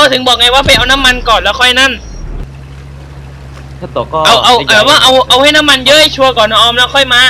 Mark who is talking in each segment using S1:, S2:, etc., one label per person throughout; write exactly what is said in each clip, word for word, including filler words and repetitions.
S1: ก็ถึงบอกไงว่าไปเอาน้ำมันก่อนแล้วค่อยนั่น
S2: ถ้าตกก็
S1: เอาเอาเอาว่าเอาเอาให้น้ำมันเยอะชัวร์ก่อนนะออมแล้วค่อยมา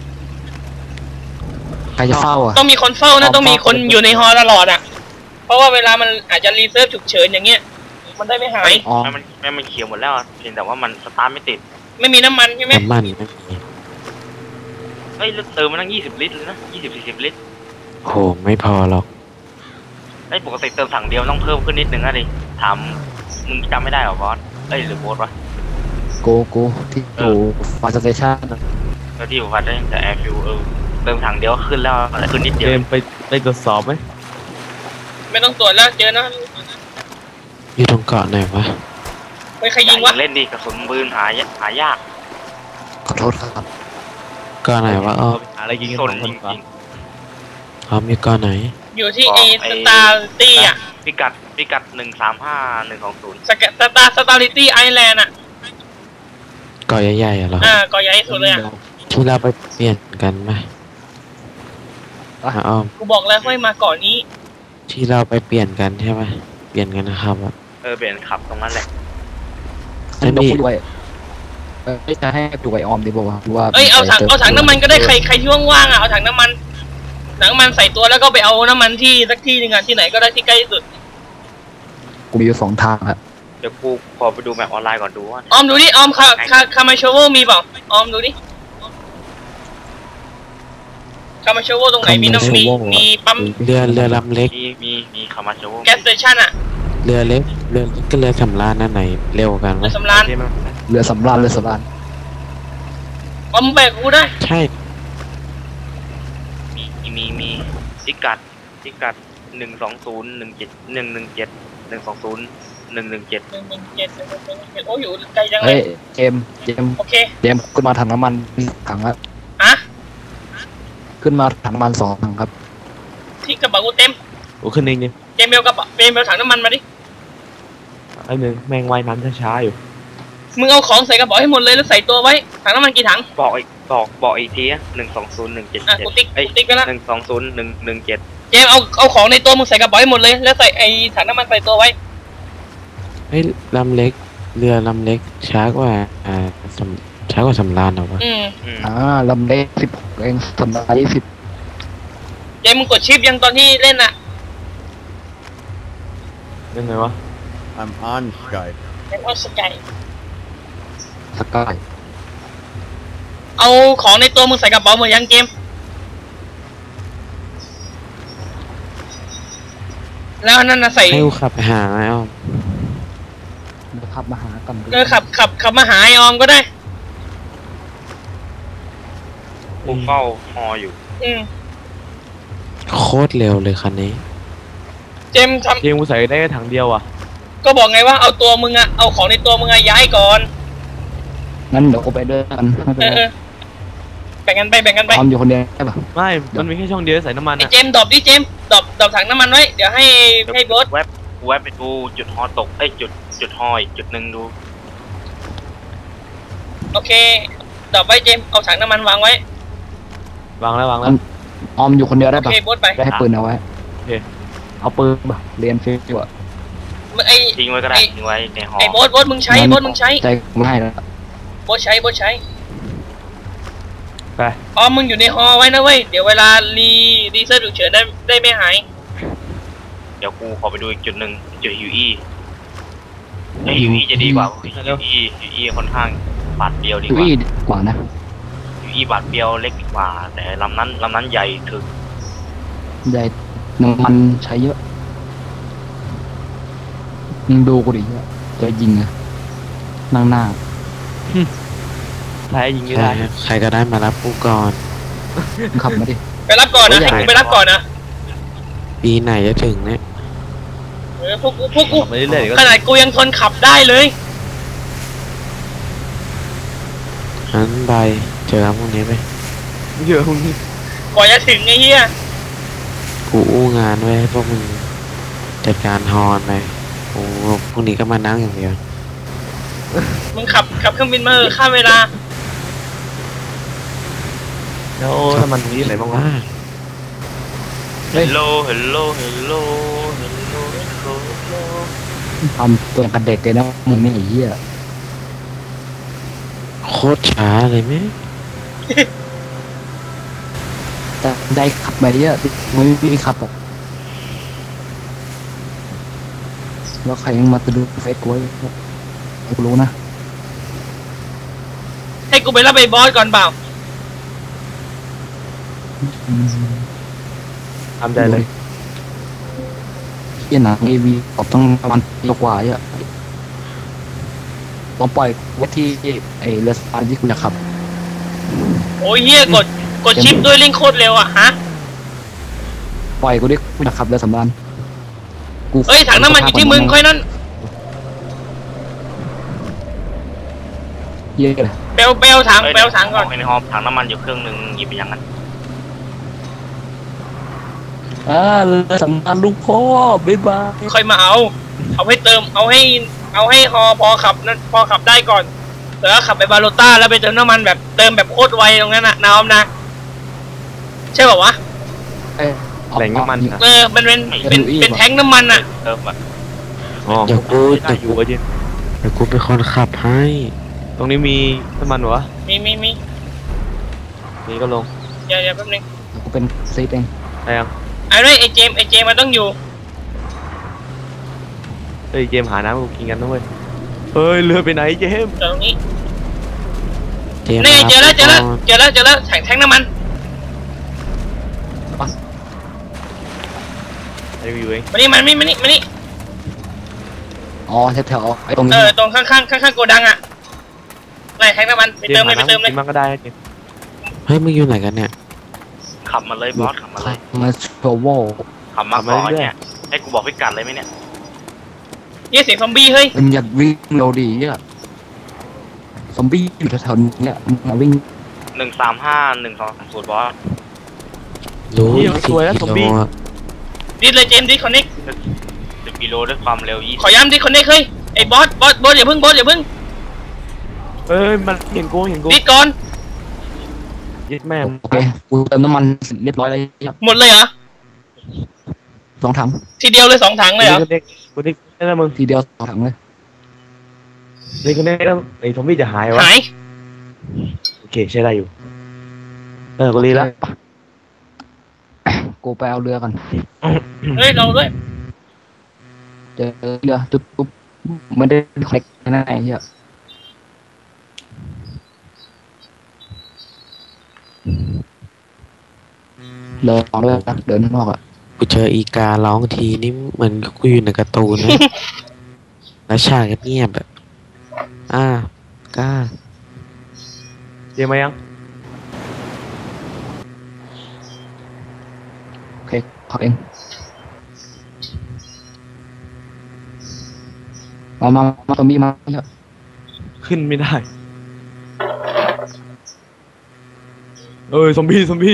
S3: ใครจะเฝ้าอ่ะ
S1: ต้องมีคนเฝ้านะต้องมีคนอยู่ในฮอตลอดอ่ะเพราะว่าเวลามันอาจจะรีเซิร์ฟฉุกเฉินอย่างเงี้ยมันได้ไม่หาย
S4: อ๋อมันมันเขียวหมดแล้วเพียงแต่ว่ามันสตาร์ทไม่ติด
S1: ไม่มีน้ำมันใช่ไหม
S3: น้ำมันไม่มี
S4: เฮ้ยเติมมันตั้งยี่สิบลิตรเลยนะยี่สิบสี่สิบลิตร
S3: โอ้ไม่พอหรอก
S4: ไอ้ปกติเติมถังเดียวต้องเพิ่มขึ้นนิดนึงนะดิถามมึงจำไม่ได้หรอบอสเอ้ยหรือโบสวะ
S3: โกโก้ที่อยู่ฟาร์สเตชัน
S4: แล้วที่อยู่วัดได้แต่แอร์ฟิวเออเติมถังเดียวขึ้นแล้วขึ้นนิดเดียว
S2: ไปไปตรวจสอบไหม
S1: ไม่ต้องตรวจแล้วเจอนะ
S3: อยู่ตรงเกาะไหนวะ
S1: ไปใครยิงวะ
S4: เล่นดิกระสุนปืนหายหายาก
S3: ขอโทษครับเกาะไหนวะอ๋อ
S2: อะไรยิง
S4: สนจริงจริง
S3: อ๋อมีเกาะไหน
S1: อยู่ที่ไอสตาร์ตี้อ่ะ
S4: พิกัดพิกัดหนึ่งสามห้าหนึ่งสองศูนย์
S1: สกัดสตาร์สตาร์ตี้ไอแลนด์อ่ะ
S3: เกาะใหญ่ๆอ่ะเหรอ
S1: อ่าเกาะใหญ่สุดเลยอ่ะ
S3: ที่เราไปเปลี่ยนกันไหมอ๋อ
S1: กูบอกแล้วค่อยมาก่อนนี้
S3: ที่เราไปเปลี่ยนกันใช่ไหมเปลี่ยนกันนะครับ
S4: เออเปลี่ยนขับตรงนั้นแหละ
S3: ไม่มี
S5: ด้วยเออจะให้ดูไอออมดีบอกว่า
S1: เอ้ยเอาถังเอาถังน้ำมันก็ได้ใครใครที่ว่างๆอ่ะเอาถังน้ำมันถังน้ำมันใส่ตัวแล้วก็ไปเอาน้ำมันที่สักที่หนึ่งอ่ะที่ไหนก็ได้ที่ใกล้ที่สุด
S5: กูมีอยู่สองทางครับ
S4: เดี๋ยวกูขอไปดูแมปออนไลน์ก่อนดูว่า
S1: ออมดูดิออมคาคาคามาโชโวมีเปล่าออมดูดิคามาโชโวตรงไหนมีน้ำมีมีปั๊ม
S3: เรือเรือลำเล็ก
S4: มีมีมีคามาโชโว
S1: แก๊สสเตชันอ่ะ
S3: เรือเล็กเรือก็เรือสำราญนั่นไหนเร็วกัน
S1: เรือสำราญ
S5: เรือสำราญเรือสำราญ
S1: ออมแบกกูได้
S3: ใช่
S4: มีมีมีพิกัดพิกัดหนึ่งสองศูนย์หนึ่งเจ็ดหนึ่งหนึ่งเจ็ดหนึ่งสองศูนย์หนึ่งหนึ่งเจ็ด
S1: หนึ่งหนึ่งเจ็ดโอ้อยู่ไกลจังเลย
S5: เฮ้ยเจมเจม
S1: โอเค
S5: เจมขึ้นมาถังน้ำมันถังละ
S1: อะ
S5: ขึ้นมาถังน้ำมันสองถังครับ
S1: ที่กระเป๋ากูเต็ม
S2: โอ้ขึ้นเองเนี่ย
S1: เจมเบลกระเป๋าเจมเบลถังน้ำมันมาดิ
S2: ไอ้หนึ่งแมงว่ายน้ำช้าๆอยู่
S1: มึงเอาของใส่กระเป๋าให้หมดเลยแล้วใส่ตัวไว้ถังน้ำมันกี่ถัง
S4: บอกอีกบอกบอกอีกทีหนึ่งสองศูนย์หนึ่งเจ็ดเจ็ด
S1: เอ้ยติ๊กไปแล้ว
S4: หนึ่งสองศูนย์หนึ่งหนึ่งเจ็ด
S1: เจมเอาเอาของในตัวมึงใส่กระเป๋าให้หมดเลยแล้วใส่ไอ้ถังน้ำมันใส่ตัวไว้
S3: เฮ้ยลำเล็กเรือลำเล็กช้ากว่าอ่าช้ากว่าสำราญเหรอวะ
S1: อืม
S5: อ่าลำเล็กสิบเองสำราญยี่สิบ
S1: เจมมึงกดชิปยังตอนที่เล่นอะ
S2: เล่นไงวะ
S6: I'm on Skype
S1: เป็นออสกาย
S5: สกาย
S1: เอาของในตัวมึงใส่กระเป๋าหมดยังเกมแล้วนั่นน่ะใส่
S3: ให้ขับไปหาไอ้ออม
S5: ขับมาหากัน
S1: เออขับขับขับมาหาไอ้ออมก็ได้
S4: กูเฝ้าฮออยู่
S1: อืม
S3: โคตรเร็วเลยคันนี้
S1: เจมทำ
S2: เจมกูใส่ได้แค่ถังเดียวอ่ะ
S1: ก็บอกไงว่าเอาตัวมึงอะเอาของในตัวมึงอะย้ายก่อน
S5: งั้นเดี๋ยวกูไปด้วยกัน
S1: เออแบ่งกันไปแบ่งกันไป
S5: ออมอยู่คนเดียวใช่ปะ
S2: ไม่มันมีแค่ช่องเดียวใส่น้ำมัน
S1: ไอเจมดรอปดิเจมดรอปดรอปถังน้ำมันไว้เดี๋ยวให้ให้โบ๊ท
S4: แวบแวบไปดูจุดฮอตกไอ้จุดจุดฮอยจุดหนึ่งดู
S1: โอเคดรอปไว้เจมเอาถังน้ำมันวางไว้
S2: วางแล้ววางแล้ว
S5: ออมอยู่คนเดียวได้ปะ
S1: โอเคโบ๊ทไป
S5: ได้ให้ปืนเอาไว้
S2: โอเค
S5: เอาปืนปะเรียนฟิวอะ
S1: ไอ
S4: ทิ้งไว้ก็ได้ทิ้งไว้ในหอ
S1: ไอโบ๊ทโบ๊ทมึงใช้โบ๊ทมึงใช้
S5: ใจไม่ให้แล้ว
S1: โบ๊ทใช้โบ๊ทใช้
S2: ไป
S1: อ๋อมึงอยู่ในฮอไว้นะเว้ยเดี๋ยวเวลารีรีเซิร์ฟฉุกเฉินได้ได้ไม่หาย
S4: เดี๋ยวกูขอไปดูอีกจุดหนึ่งจุดฮิวอี้ไอฮิวอี้จะดีกว่าฮิวอี้ฮิวอี้ค่อนข้างบาดเบี้ยวดีกว่า
S5: ฮิวอี้กว่านะ
S4: ฮิวอี้บาดเบี้ยวเล็กกว่าแต่ลำนั้นลำนั้นใหญ่ถึง
S5: ใหญ่น้ำมันใช้เยอะมึงดูกูดิจะยิงอะนั่งหน้า
S2: ใครยิงไม่ได้
S3: ใครก็ได้มารับกูก่อน
S5: ขับมาดิ
S1: ไปรับก่อนนะให้กูไปรับก่อนนะ
S3: ปีไหนจะถึงเนี่ย
S1: เออพวกกูพวกกูขนาดกูยังทนขับได้เลย
S3: งั้นไปเจอพวกนี้ไป
S2: เจอพวกนี้
S1: ก่อนจะถึงไอ้เหี้ย
S3: กูอู้งานไว้พวกมึงจัดการฮอนไปโอ้พวกนี้ก็มานั่งอย่างเดียว
S1: มึงขับขับเครื่องบินมาข้ามเวลา
S2: แล้วน้ำมันตรงนี้ไหนบ้างวะ
S4: Hello Hello Hello Hello Hello
S5: ทำตัวอย่างกับเด็กเลยนะมึงนี่ไอ้เหี้ย
S3: โคตรช้าเลยไหม
S5: แต่ได้ขับไปเยอะไม่ไม่ขับอ่ะแล้วใครยังมาตะดูเฟซกูไว้ให้กูรู้นะ
S1: ให้กูไปรับไอ้บอสก่อนเปล่า
S5: อืม
S2: ทำใจเลย
S5: เหี้ยหนังเอวีออกต้องประมาณปีกว่าเยอะลองปล่อยไว้ที่ไอ้เรือสปานที่กูอยากขับ
S1: โอ้ยเฮียกดกดชิปด้วยเร่งโคตรเร็วอ่ะฮะ
S5: ปล่อยกูดิกูอยากขับเรือสำราญกู
S1: เอ้ยถังน้ำมันอยู่ที่มึงค่อยนั่น
S5: เหี้ยเลย
S1: เปลวเปลวถังเปลวถังก่อน
S4: ในห้องถังน้ำมันอยู่เครื่องหนึ่งหยิบไปอย่างนั้น
S5: อ่าเรือสำราญลูกพ่อบ๊ายบาย
S1: ค่อยมาเอา เอาให้เติมเอาให้เอาให้ฮอพอขับนั่นพอขับได้ก่อนแล้วขับไปบาโลต้าแล้วไปเติมน้ำมันแบบเติมแบบโคตรไวตรงนั้นน่ะน้ำนะใช่ป่าวะ
S5: เอ้ย
S2: แหล่งน้ำมันนะ
S1: เออมันเป็นเป็นเป็นแท้งน้ำมันอ่ะ
S4: เติมแบบ
S2: อ๋อ
S3: เดี๋ยวกู
S2: ได้อยู่วะจิน
S3: เดี๋ยวกูเป็นคนขับให้
S2: ตรงนี้มีน้ำมันวะ
S1: มีมีมี
S2: นี่ก็ลง
S1: เดี๋ยวเดี๋ยวแป๊บนึง
S5: กูเป็นซีดเอง
S2: ได้ยัง
S1: ไอ้ด้วยไอ้เจมส์ไอ้เจมส์มันต้องอยู่
S2: เฮ้ยเจมส์หาน้ำกูกินกันนะเว้ยเฮ้ยเรือไปไหนเจมส์
S1: ตรงนี้
S3: เจมส์
S1: นี่ไงเจอแล้วเจอแล้ว
S3: มา
S1: เจอแล้วเจอแล้วแทงแทงน้ำมัน
S2: ไอ้กูอยู่เอง
S1: มานี่มันนี่มานี่มานี่
S5: อ๋อแถวๆไอ้ตรง
S1: เอ
S5: นี้
S1: อตรงข้างข้างข้างข้างโกดังอ่ะไหนแทงน้ำมันไป
S2: เจ
S1: เติม
S2: มส์
S1: เลย
S2: หา
S1: ไปเติม
S2: น้ำ
S1: เล
S2: กิ
S1: ย
S2: นมันก็ได้นะเจมส์
S3: เฮ้ยมึงอยู่ไหนกันเนี่ย
S4: ขับมาเลยบอสขับมาเลย
S5: มาโชว์โว
S4: ขับมาก่อนเนี่ยให้กูบอกพิกัดเลยไหมเนี่ย
S1: เยี่ยเสียงซอมบี้เฮ้ย
S5: เป็นอยากวิ่งเร็วดีอ่ะซอมบี้อยู่แถวๆนี้เนี่ยมาวิ่ง
S4: หนึ่งสามห้าหนึ่งสองสามศูนย์บอส
S3: รู้
S2: เฮ้ยมันสวยแล้วซอมบี้
S3: กิโลอะ
S1: ดิสเลยเจมส์ดิสคอนเน็ก
S4: สิบกิโลด้วยความเร็วยี่
S1: ขอย้ำดิสคอนเน็กเฮ้ยไอ้บอสบอสบอสอย่าเพิ่งบอสอย่าเพิ่ง
S2: เอ้ยมันเห็นกูเห็นกู
S1: ดิสก่อน
S2: ยึดแม่ง
S5: โอเคกูเติมน้ำมันเรียบร้อยแล้วเนี่ย
S1: หมดเลยเหรอ
S5: สองถัง
S1: ทีเดียวเลยสองถังเลยเหรอ
S2: กูเด็กกูเด็กนี่นะมึง
S5: ทีเดียวสองถังเลย
S2: เด็กคนนี้แล้วไอ้ซอมบี้จะหายวะ
S1: หาย
S2: โอเคใช้ได้อยู่เออกูรีละ
S5: กูไปเอาเรือกัน
S1: เฮ้ยเราด้วย
S5: เจอเรือตุ๊บตุ๊บไม่ได้คอนเน็กแน่ๆเหี้ยเดินออกด้วยนะเดินข้างนอกอ่ะ
S3: กูเจออีการ้องทีนี่เหมือนกูอยู่ในการ์ตูนนะ แล้วฉากเงียบๆแบบอ่ากล้า
S2: เจมส์มายัง
S5: โอเคขับเองมามามาซอมบี้มาเยอะ
S2: ขึ้นไม่ได้เอ้ยซอมบี้ซอมบี้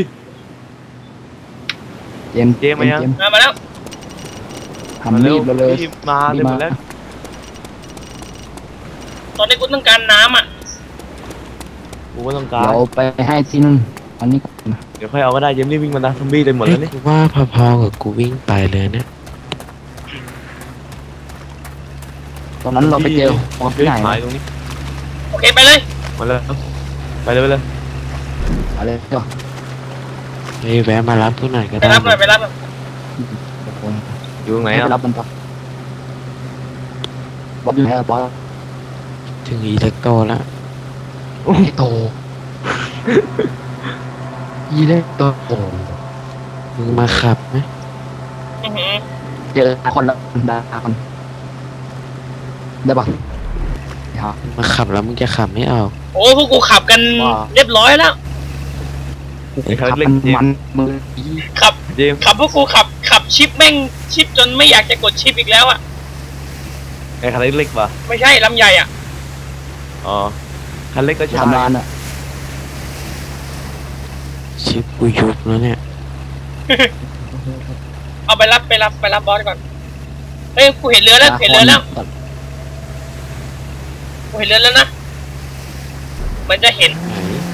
S5: เจมส์
S2: เจมส์มายัง
S5: เจมส์
S1: มามาแล้ว
S5: ทำรีบเลยเลย
S2: รีบมาเลยหมดแล้ว
S1: ตอนนี้กูต้องการน้ำอ่ะ
S2: กูก็ต้องการ
S5: เดี๋ยวไปให้ที่นู่นอันนี้ก่อนนะ
S2: เดี๋ยวค่อยเอาก็ได้เจมส์รีบวิ่งมานะซอมบี้เต็มหมดแล้วนี่
S3: กูว่าพอๆกับกูวิ่งไปเลยเนี่ย
S5: ตอนนั้นเราไปเจอของ
S2: เฮ้
S5: ที่
S2: ย
S5: ไหน
S2: หายตรงนี้
S1: โอเคไปเลย
S2: มาเลยไปเลยไปเลย
S5: อะไรเดี๋ยว
S3: เฮ้ยแวะมารับกูหน่อยก็
S1: ไป
S3: ได้
S1: รับหน่อยไปรับหน่อย
S2: อยู่ตรงไหน
S5: ไป
S2: อ่ะ
S5: รับมันต่อ บอสอยู่ไหนอะบอส
S3: ถึงอีเล็กโตแล้ว
S5: ไอ้โตยีเล็กโตโอ้
S3: มึงมาขับไหม
S1: อื้อหือ
S5: เจอคนละดาคนได้ปะครับ
S3: มาขับแล้วมึงจะขับไม่ออก
S1: โอ้พวกกูขับกันเรียบร้อยแล้ว
S2: ไอ้เขา
S5: ขับ
S2: เล็ก
S5: มัน
S2: เจม
S5: มัน
S2: ส์
S5: มือ
S1: ขับ
S2: เจมส์
S1: ขับพวกกูขับขับชิปแม่งชิปจนไม่อยากจะกดชิปอีกแล้วอ่ะ
S2: ไอ้คันเล็กๆป่ะ
S1: ไม่ใช่ลำใหญ่อ่ะ
S2: อ๋อคันเล็กก็ใช่
S5: ทำร้านอ่ะ
S3: ชิปกูยุบแล้วเนี่ย
S1: เอาไปรับไปรับไปรับบอสก่อนเฮ้ยกูเห็นเรือแล้วเห็นเรือแล้วกูเห็นเรือแล้วนะเหมันจะเห็น
S3: ไหน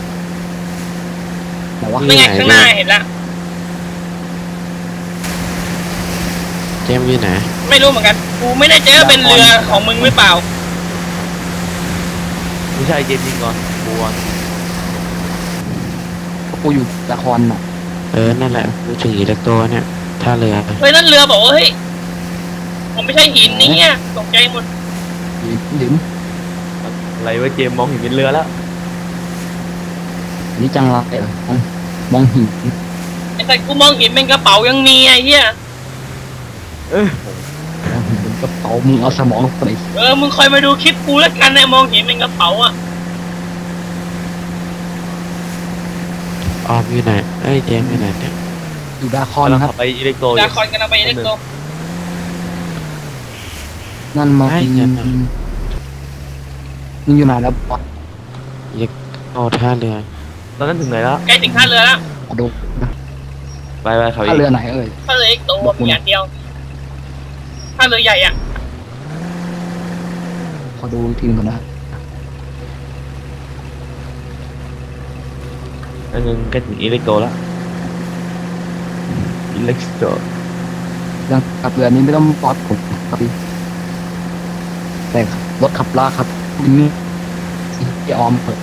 S5: แต่ว่า
S1: ไม่ไงข้างหน้าเห็นแล้ว
S3: เจมส์อยู่ไหน
S1: ไม่รู้เหมือนกันกูไม่ได้เจอเป็นเรือของมึงหรือเปล่า
S2: ไม่ใช่เกมยิงก่อนบัว
S5: กูอยู่ละครน่ะ
S3: เออนั่นแหละพูดถึงอิเล็กโตรเนี่ยท่าเรือ
S1: เฮ้ยนั่นเรือบอกว่าเฮ้ยผมไม่ใช่หินนี่เนี่ยตกใจหมด
S5: หรือหรือ
S2: อะไรวะเกมมองเห็นเป็นเรือแล้ว
S5: นี่จังไรเออมองมองหิน
S1: ไอ้สัตว์กูมองเห็นเป็นกระเป๋ายังมีไอ้เหี้ย
S2: เออ
S5: มองหินเป็นกระเป๋ามึงเอาสมองไป
S1: เออมึงคอยมาดูคลิปกูแล้วกันนะมองเห็นเป็นกระเป๋าอ่ะ
S3: ออมอยู่ไหนเอ้ยเจมส์อยู่ไหนเนี่ย
S5: อยู่ดาคอน
S2: กำลัง
S5: ครั
S2: ขั
S5: บบ
S2: ไปอิเล็กโตรอ
S1: ดา
S2: ยู่
S1: คอนกันเอาไปอิเล็กโตร
S5: นั่นมองมึงอยู่ไหนแล้วบอส
S3: อิเล็กโตรท่าเรือ
S2: ตอนนั้นถึงไหนแล้ว
S1: ใกล้ถึงท่าเรือแล้ว
S5: ขอดูนะ
S2: ไปไปเขาอี
S5: ถ้าก เรือไหนเอ่ย
S1: ท่าเรืออิเล็กโตรมีอย่างเดียวท่าเรือใหญ่อ่ะ
S5: ขอดูทีมก่อนนะ
S2: อันนึงใกล้ถึงอิเล็กโตรแล้วอิเล็กโตร
S5: เรื่องขับเรือนี้ไม่ต้องบอสผมครับพี่แต่รถขับลากครับนี่พี่ออมเปิด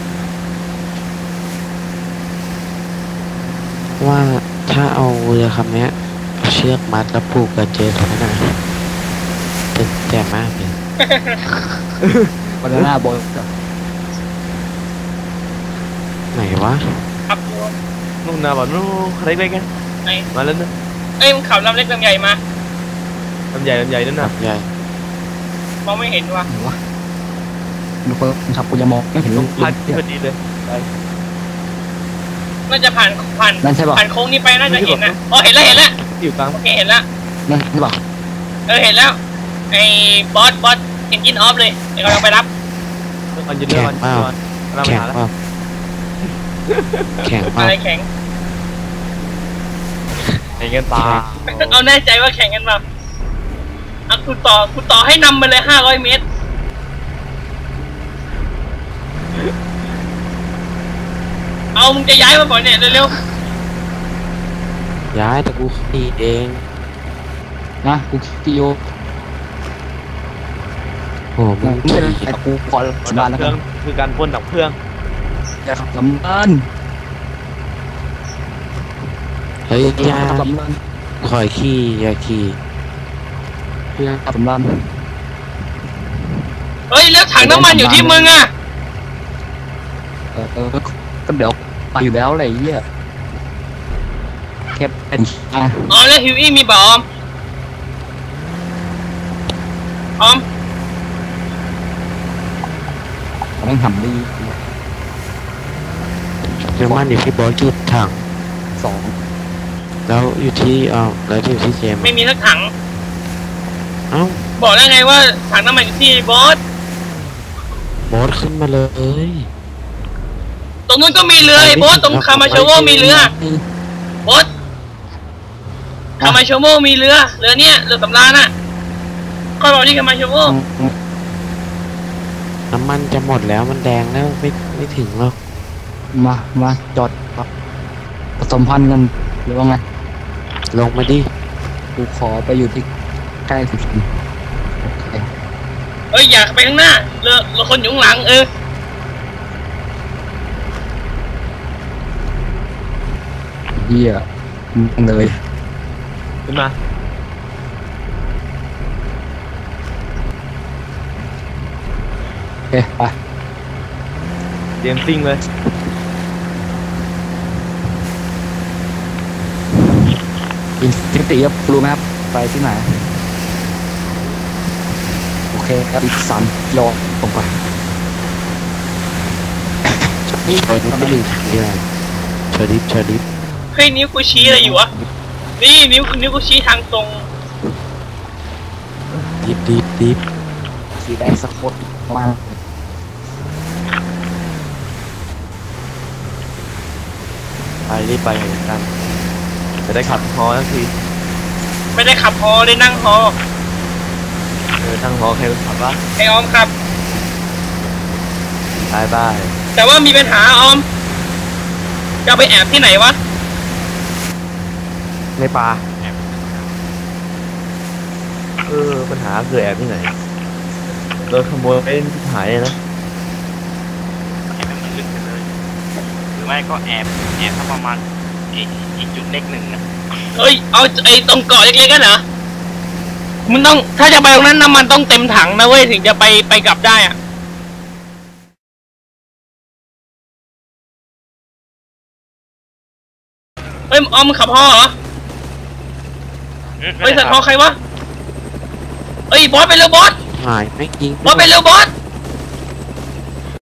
S3: ว่าถ้าเอาเรือคำเนี้ยเอาเชือกมัดแล้วผูกกับเจสไว้หน่อยจะแจ่มมากเลย
S5: บานาน่าบอย
S3: ไหนวะ
S1: ขับดู
S2: นู่นนะบอกนู่นใครเล็กๆไง
S1: ไอ้
S2: มาแล้วนะ
S1: เอ้ยมึงขับลำเล็กลำใหญ่มา
S2: ลำใหญ่ลำใหญ่นั่น
S3: ครั
S2: น่ะ
S3: บใหญ่
S1: มองไม่เห็นว่ะ
S5: หรือวะดูเพิ่มครับกูจะมองไม่เห็น
S2: ต
S5: ล
S2: รง
S5: ง
S2: พัดที่พอดีเลยไป
S1: น่าจะผ่านผ่าน
S5: นั่นใช่ป่ะ
S1: ผ่านโค้งนี้ไปน่าจะเห็นนะอ๋อเห็นแล้วเห็นแล้ว
S2: อยู่กลาง
S1: โอเคเห็นแล้ว
S5: นั่นใช่ป่ะ
S1: เออเห็นแล้วไอ้บอสบอสเอนจินออฟเลยเดี๋ยวกำลังไปรับ
S2: เรื่องอันยืนเรื่องอันยืนก่อนกำลังไป
S3: แข็ง
S2: หาแล้ว
S3: เปล่าแข็งเปล่า
S1: อะไรแข็ง
S2: เห็นกันตา
S1: เอาแน่ใจว่าแข่งกันมาอ่ะกูต่อกูต่อให้นำไปเลยห้าร้อยเมตร เอามึงจะย้ายมาบ่อยเนี่ยเร็ว
S3: ย้ายแต่กูขี่เอง
S5: นะกูติโย
S3: โอ้มึ
S5: มึ
S3: ง
S5: งเป็นไอ้กูขอส
S2: ดั
S5: บา
S2: บ
S5: นแล้ว
S2: เค
S5: กั
S2: รื่อน งคือการพ่นดับเครื่อง
S5: อย่าขับลำเลิน
S3: เฮ้ยอยา
S5: ขับลำเลิน
S3: คอยขี่อย่าขี่
S5: เพื่อขับลำเลิน
S1: ๆเฮ้ยแล้วถังน้ำมันอยู่ที่มึงอ่ะ
S5: เออเออก็เดี๋ยวไปอยู่แล้วอะไรเงี้ยแค่เป็นอ่ะ
S1: อ๋อแล้วฮิวอี้มีบ่ออมออม
S5: ต้องทำดี
S3: น้ำมันอยู่ที่บอสจุดถัง
S5: สอง
S3: แล้วอยู่ที่เอ๋อแล้วอยู่ที่เจมส์
S1: ไม่มีสักถัง
S3: เอ้า
S1: บอกแล้วไงว่าถังน้ำมันอยู่ที่บอส
S3: บอสขึ้นมาเลย
S1: ตรงนู้นก็มีเรือไอ้บอสตรงคามาโชโวมีเรือบอสคามาโชโวมีเรือเรือเนี้ยเรือสำราญน่ะค่อยบอกที่คามาโชโว
S3: น้ำมันจะหมดแล้วมันแดงแล้วไม่ไม่ถึงหรอก
S5: มามาจอดครับผสมพันธุ์กันหรือว่าไง
S3: ลงมาดิ
S5: กูขอไปอยู่ที่ใกล้สุดโอเค
S1: เอ้ยอยากไปข้างหน้าเรือเรือคนอยู่ข้างหลังเออ
S5: เหี้ยมึงเลย
S2: ขึ้นมา
S5: โอเคไป
S2: เตรียมซิ่งเลย
S5: อินฟินิตี้ครับรู้ไหมครับไปที่ไหนโอเคครับอีกสามกิโลตรงไป
S3: นี่เชอร์ดิฟไม่ถึงเรือเชอร์ดิฟเชอร์ดิฟ
S1: เฮ้ยนิ้วกูชี้อะไรอยู่วะนี่นิ้วนิ้วกูชี้ทางตรง
S3: ดิฟดิฟดิฟ
S5: สีแดงสะกดประมาณ
S2: ไปรีบไปเหมือนกันจะได้ขับฮอสักที
S1: ไม่ได้ขับฮอได้นั่งฮอ
S2: เออทั้งฮอใครเป็นขับวะ
S1: ไอออมครับ
S2: บายบาย
S1: แต่ว่ามีปัญหาออมจะไปแอบที่ไหนวะ
S2: ในป่าปัญหาคือแอบที่ไหนโดนขโมยไปหายเลยนะ
S4: แอบให้มันลึกไปเลย หรือไม่ก็แอบแอบถ้าประมาณอีกอีกจุดเล็กหนึ่งนะ
S1: เฮ้ยเอาไอ้ตรงเกาะเล็กๆกันเหรอมึงต้องถ้าจะไปตรงนั้นน้ำมันต้องเต็มถังนะเว้ยถึงจะไปไปกลับได้อะเฮ้ยออมขับพ่อเหรอ
S4: อืม
S1: เฮ้ยสัตว์พ่อใครวะเฮ้ยบอสไปเร็วบอส
S3: หายไม่ยิง
S1: บอสไปเร็วบอส